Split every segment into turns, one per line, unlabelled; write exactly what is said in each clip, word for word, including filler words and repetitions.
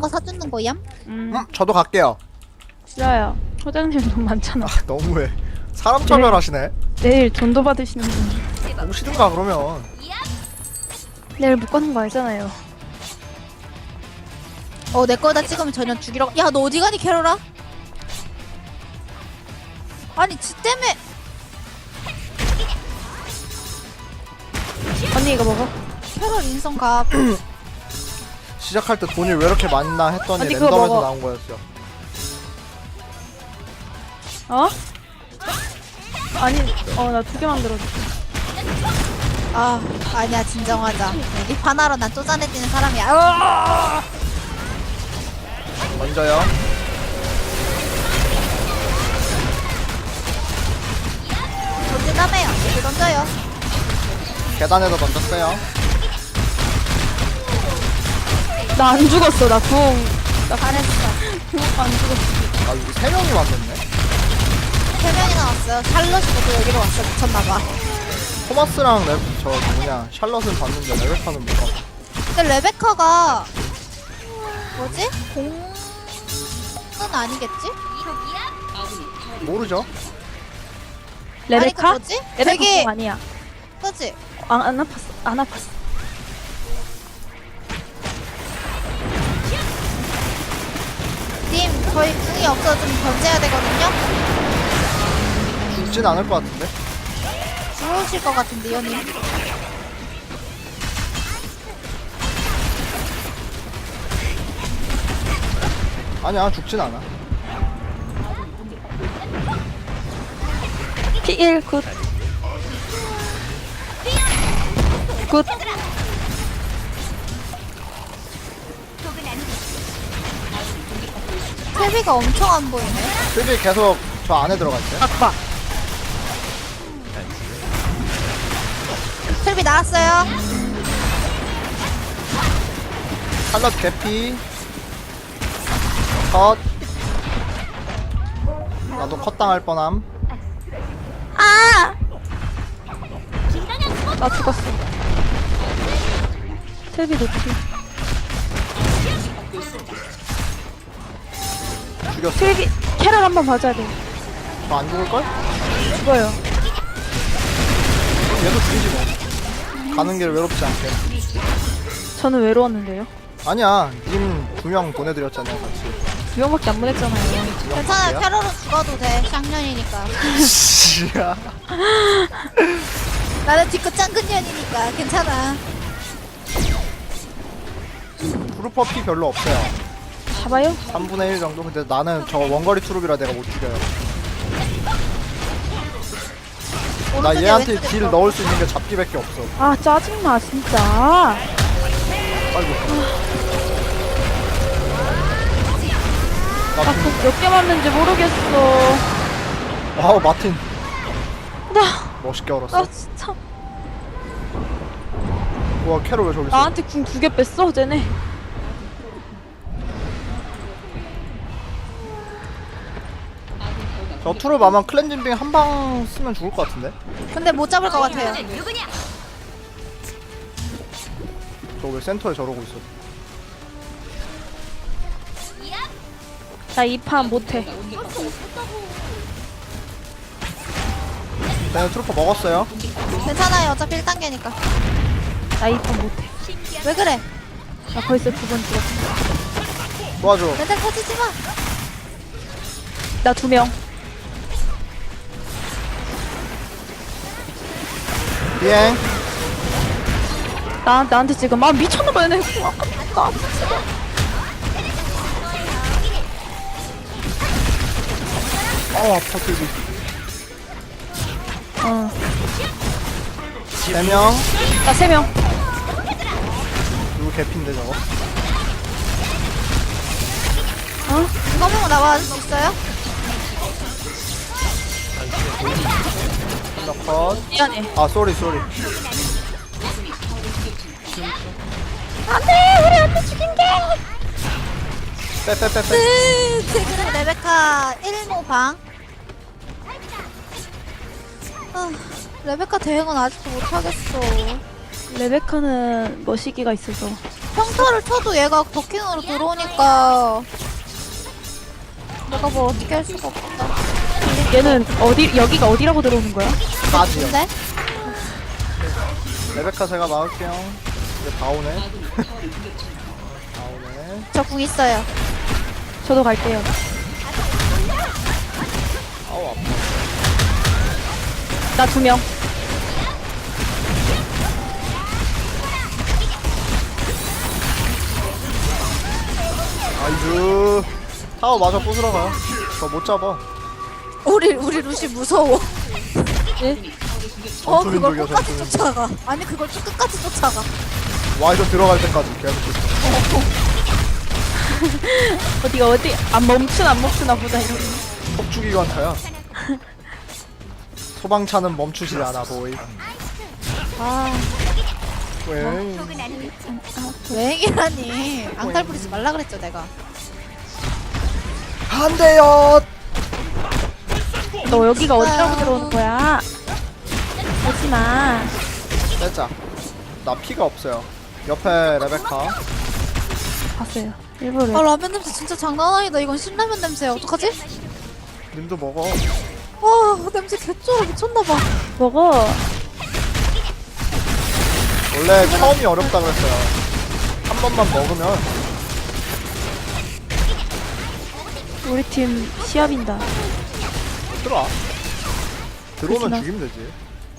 거 사주는 거야?
음,
음, 저도 갈게요.
싫어요. 소장님 돈 많잖아.
아, 너무해. 사람 차별하시네.
내일 돈도 받으시는 분.
오시든가 그러면.
내일 못 가는 거 알잖아요.
어, 내 거다 찍으면 전혀 죽이러. 야, 너 어디 가니, 캐롤아? 아니, 지 때문에.
언니 이거 먹어.
캐롤 인성 가.
시작할 때 돈이 왜 이렇게 많나 했더니
아니, 그거
랜덤에서
먹어.
나온 거였어요.
어? 아니, 어, 나 두 개 만들어줘.
아, 아니야, 진정하자. 립 하나로 난 쪼잔해지는 사람이야. 으아!
먼저요.
던진다며요. 이렇게 던져요.
계단에서 던졌어요.
나 안 죽었어, 나 궁.
잘했어.
안 죽었어.
아, 여기 세 명이 왔었네.
세 명이나 왔어요. 샬럿이 모두 여기로 왔어. 미쳤나봐.
토마스랑 레, 저 뭐냐 샬럿은 봤는데 레베카는 못 봤어.
근데 레베카가 뭐지? 공은 아니겠지?
모르죠?
레베카?
아니, 그 뭐지?
레베카
되게
궁 아니야.
그치?
안, 안 아팠어. 안 아팠어.
님, 저희 궁이 없어서 좀 던져야 되거든요?
죽진 않을 것 같은데.
들어오실 것 같은데요, 님?
아니야, 죽진 않아.
피 일, 굿. 굿.
세비가 엄청 안 보이네.
슬비 계속 저 안에 들어갔어요.
아빠.
세비 나왔어요.
샬럿 개피. 컷. 나도 컷 당할 뻔함.
아!
나 죽었어. 텔비 높이.
죽였어.
텔비, 캐럴 한번 봐줘야 돼.
저 안 죽을걸?
죽어요.
얘도 죽이지 뭐. 가는 길 외롭지 않게.
저는 외로웠는데요.
아니야, 님 두 명 보내드렸잖아요, 같이.
두 명밖에 안 보냈잖아요.
괜찮아요. 캐롤은 죽어도 돼. 쌍년이니까.
씨야.
나는 뒤끝 짱근년이니까 괜찮아.
트루퍼 피 별로 없어요.
잡아요?
삼분의 일 정도? 근데 나는 저 원거리 트룹이라 내가 못 죽여요. 나
오른쪽에
얘한테
왼쪽에
딜
들어.
넣을 수 있는 게 잡기밖에 없어.
아, 짜증나, 진짜.
아이고.
아,
마틴.
몇 개 맞는지 모르겠어.
와우, 마틴.
나,
멋있게 얼었어.
나 진짜.
와, 캐롤 왜 저기 있어?
나한테 궁 두 개 뺐어, 쟤네.
저 트룹 아마 클렌징빙 한 방 쓰면 죽을 것 같은데?
근데 못 잡을 것 같아요.
저 왜 센터에 저러고 있어?
나 이 판 못해.
네, 트루퍼 먹었어요.
괜찮아요. 어차피 일 단계니까.
나 이 판 못해.
왜 그래?
나 벌써 두 번 죽었어.
도와줘.
멘탈 터지지 마.
나 두 명.
비행.
나, 나한테 지금, 아, 미쳤나봐, 얘네. 아깝다.
어, 아파, 트루비.
어.
세 명.
나 세 명.
누구 개핀데, 저거?
어? 이거 보고 나와줄 수 있어요?
하나 컷.
미안해.
아, 쏘리, 쏘리.
안 돼! 우리 언니 죽인 게!
빼빼빼빼.
으, 지금 레베카 일 모 방. 아, 레베카 대응은 아직도 못하겠어.
레베카는 머시기가 있어서.
평타를 쳐도 얘가 더킹으로 들어오니까 내가 뭐 어떻게 할 수가 없다.
얘는 어디 여기가 어디라고 들어오는 거야?
까지요.
근데
레베카 제가 막을게요. 이제 다 오네. 다 오네.
저 궁 있어요.
저도 갈게요.
아우 아파.
나 두 명.
아이즈. 타워 마저 부수러 가요. 저 못 잡아.
우리 우리 루시 무서워.
예?
어
전투
그걸
민족이야,
끝까지
전투
쫓아가. 아니 그걸 쭉 끝까지 쫓아가.
와이저 들어갈 때까지 계속 쫓아.
어디가 어디 안 멈추나 안 멈추나 보다 이러고.
폭주기관차야. 소방차는 멈추지 않아 보이.
아
왜?
여행이라니. 앙탈 부리지 말라 그랬죠 내가.
안 돼요.
너 여기가 어디라고 들어오는 거야? 오지 마.
빼자. 나 피가 없어요. 옆에 레베카.
봤어요. 일부러.
아 라면 냄새 진짜 장난 아니다. 이건 신라면 냄새야. 어떡하지?
님도 먹어.
와 냄새 개쩔어 미쳤나봐.
먹어.
원래 처음이 어렵다 그랬어요. 한 번만 먹으면
우리 팀 시합인다.
들어와. 들어오면
그렇구나.
죽이면 되지.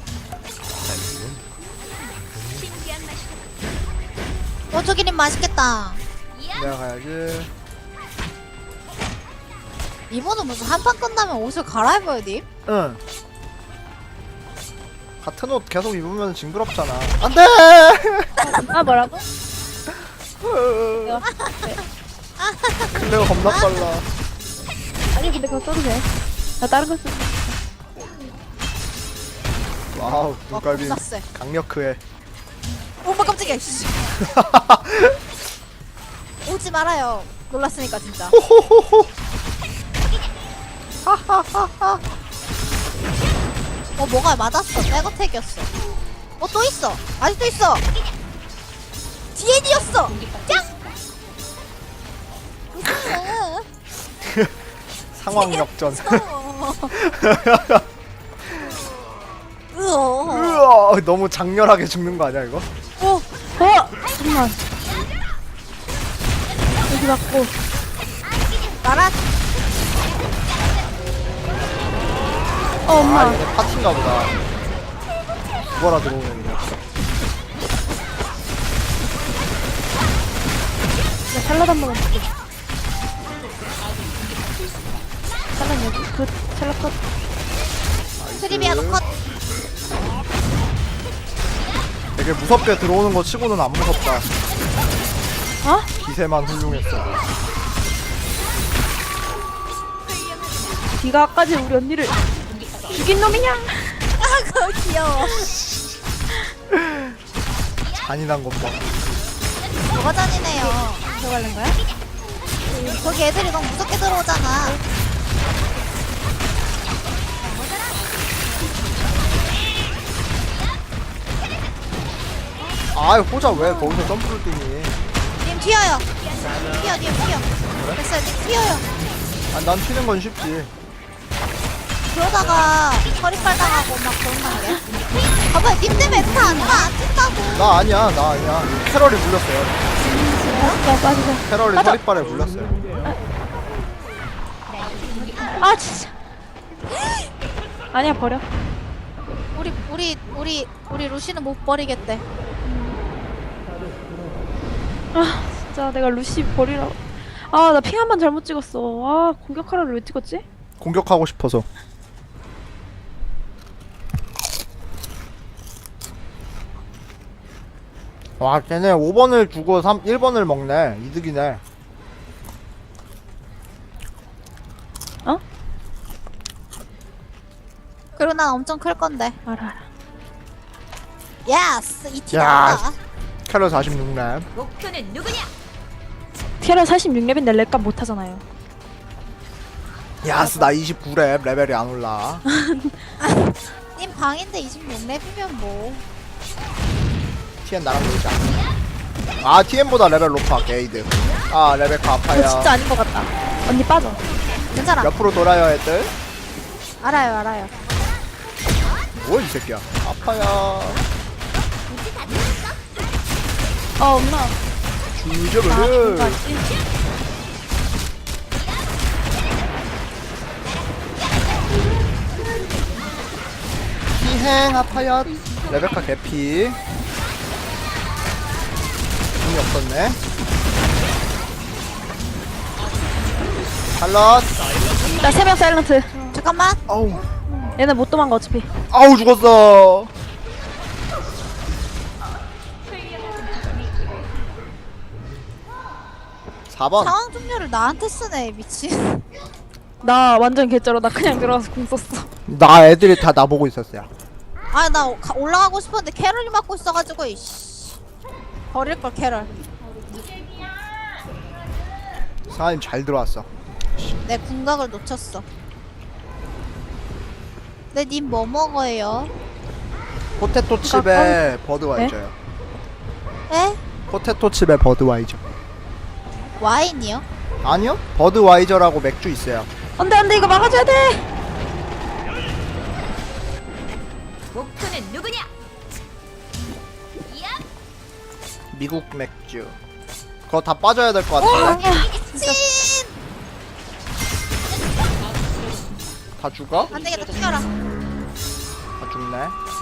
오토기님 맛있겠다.
내가 가야지.
이번은 무슨 한 판 끝나면 옷을 갈아입어요 님?
응. 같은 옷 계속 입으면 징그럽잖아. 안 돼!
아 뭐라고?
클레어 겁나 빨라.
아니 근데 그거 써도 돼. 나 다른 거 써.
와우,
와
눈깔비
겁나 쎄.
강력해.
오마 깜짝이야 씨. 오지 말아요. 놀랐으니까 진짜. 어 뭐가 맞았어. 백어택이었어. 어 또 있어. 아직도 있어. 디에디였어. 짱.
상황 역전.
으어.
으아, 너무 장렬하게 죽는 거 아니야 이거?
어.
어! 잠깐만. 여기 맞고.
나라.
어 엄마.
아, 얘네 파티인가 보다. 죽어라 들어오네 그냥.
나 샐러드 한 번만 먹게. 샐러드 여기. 그 샐러드 컷.
트리비아도 컷.
되게 무섭게 들어오는 거 치고는 안 무섭다.
어?
기세만 훌륭했어.
네가 아까지 우리 언니를 죽인 놈이냐?
아 그거 귀여워.
잔인한 것 봐.
뭐가 잔이네요.
들어가는 거야?
거기 애들이 너무 무섭게 들어오잖아.
아이 호자 왜 거기서 점프를 뛰니?
님 튀어요. 튀어, 님 튀어. 됐어요, 님 튀어요.
아, 난 튀는 건 쉽지.
그러다가 허리빨 당하고 막 그런단 게. 봐봐, 님 때문에 다안 나, 안 뛴다고.
나 아니야, 나 아니야. 캐럴이 물렸어요.
야 빠지자.
캐럴이
맞아.
허리빨에 물렸어요.
아 진짜. 아니야 버려.
우리, 우리, 우리, 우리 루시는 못 버리겠대.
아 진짜 내가 루시 버리라고. 아 나 핑 한 번 잘못 찍었어. 아 공격하라를 왜 찍었지?
공격하고 싶어서. 와, 걔네 오 번을 주고 삼, 일 번을 먹네. 이득이네.
어?
그리고 난 엄청 클 건데.
알아 알아.
예스! 이 티
야.
나온다.
캐럴 사십육 렙.
티아라 사십육 렙인데 렉값 못하잖아요.
야스, 나 이십구 렙. 레벨이 안 올라.
님 방인데 이십육 렙이면 뭐.
티엔 나랑 놀자. 아 티엠보다 레벨 높아 게이드. 아 레베카
이거
아파요.
진짜 아닌 것 같다. 언니 빠져.
괜찮아.
옆으로 돌아야 애들.
알아요, 알아요.
뭐 이 새끼야. 아파요.
어 엄마. 아
주저를.
공까지.
피행 아파요. 레베카 개피. 힘이 없었네. 샬럿.
나세 명 사일런트.
잠깐만.
아우.
얘네 못 도망가 어차피.
아우 죽었어. 사 번.
상황 종료를 나한테 쓰네, 미친.
나 완전 개쩔어. 나 그냥 들어가서 공 썼어.
나 애들이 다 나보고 있었어요.
아, 나 가- 올라가고 싶었는데 캐럴이 맞고 있어가지고, 이씨. 버릴걸, 캐럴.
사장님 잘 들어왔어.
내 궁각을 놓쳤어. 근데 님 뭐 먹어요?
포테토 칩에 버드와이저요.
에?
포테토 칩에 버드와이저.
와인이요?
아니요? 버드와이저라고 맥주 있어요.
안돼 안돼 이거 막아줘야 돼.
목표는 누구냐?
미국 맥주. 그거 다 빠져야 될 것 같은데.
미친!
다 죽어?
안 되겠다, 튀겨라.
다 죽네.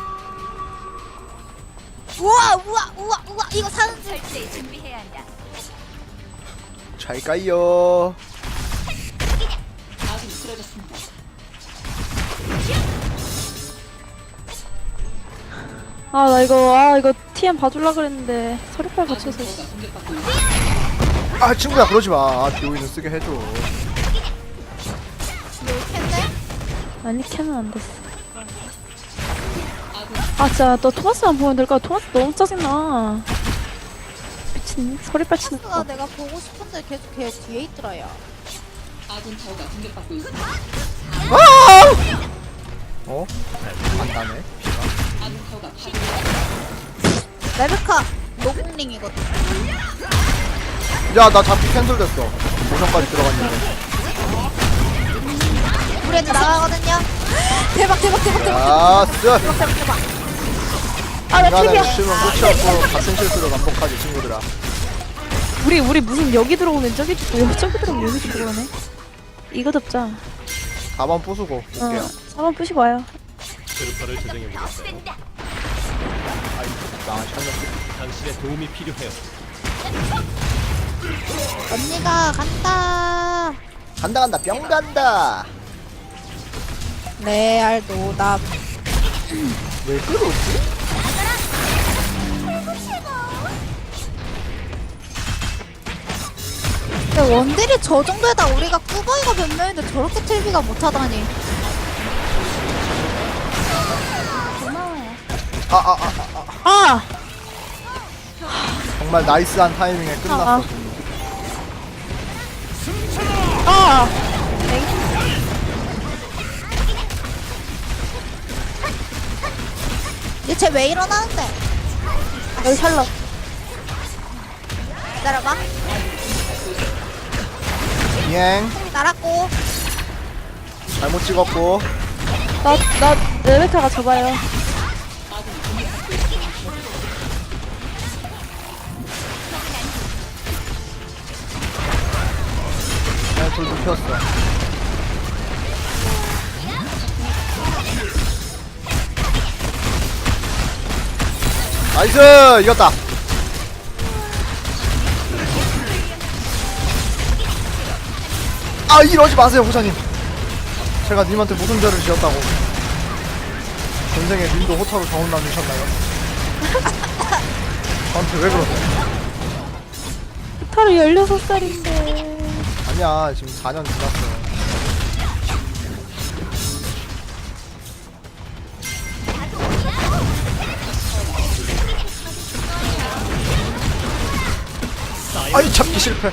우와, 우와, 우와, 우와, 이거 사는 중.
철저히 준비해야 한다.
잘 가요.
아 나 이거 아 이거 티엠 봐줄라 그랬는데 서류팔 받쳐서.
아 친구야 그러지 마. 비오이는 쓰게 해줘.
이렇겠네?
아니 캐는 안 됐어. 아 진짜 너 토마스만 보면 될까? 토마스 너무 짜증나. 미친 서류팔 치는
토마스가
거.
내가 보고 싶은데 계속 걔 뒤에 있더라, 야.
어? 안 가네.
레베카 노공링이거든.
야 나 잡기 캔슬됐어. 모션까지 들어갔는데.
우리 애들 나가거든요. 대박, 대박, 대박, 대박,
야스.
대박, 대박, 대박.
아나
인간의
팁이야.
욕심은 끝이 없고 같은 실수를 반복하지 친구들아.
우리 우리 무슨 여기 들어오면 저기 죽고 여기 저기 들어오면 여기 죽고 그러네. 이거 덮자.
사 번 부수고 올게요.
어. 한번 부시고 와요.
트루퍼를 제정해 보겠어요.
아이 망한 샬럿.
당신의 도움이 필요해요.
언니가 간다.
간다 간다 뿅 간다.
레알 노답.
왜 그러지?
근데 원딜이 저 정도에다 우리가 꾸벅이가 몇 명인데 저렇게 틀비가 못하다니.
아아아 아, 아,
아
정말 나이스한 타이밍에 끝났어.
아. 아.
얘 쟤 왜 일어나는데?
여기 샬럿.
기다려봐.
비행
날았고.
잘못 찍었고.
나나 레베카가 접어요.
그냥 불 눕혔어. 나이스 이겼다. 아 이러지 마세요 호자님. 제가 님한테 무슨 죄를 지었다고. 전생에 님도 호타로 정운 남으셨나요? 저한테 왜 그러세요?
타로 열여섯 살인데.
아니야 지금 사 년 지났어. 아이 잡기 실패.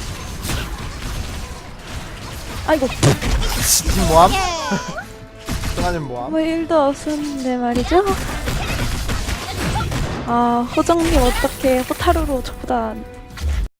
아이고
님 뭐함?
예.
승아님 뭐함?
뭐 일도 없었는데 말이죠. 아, 호정님 어떻게 호타루로 저보다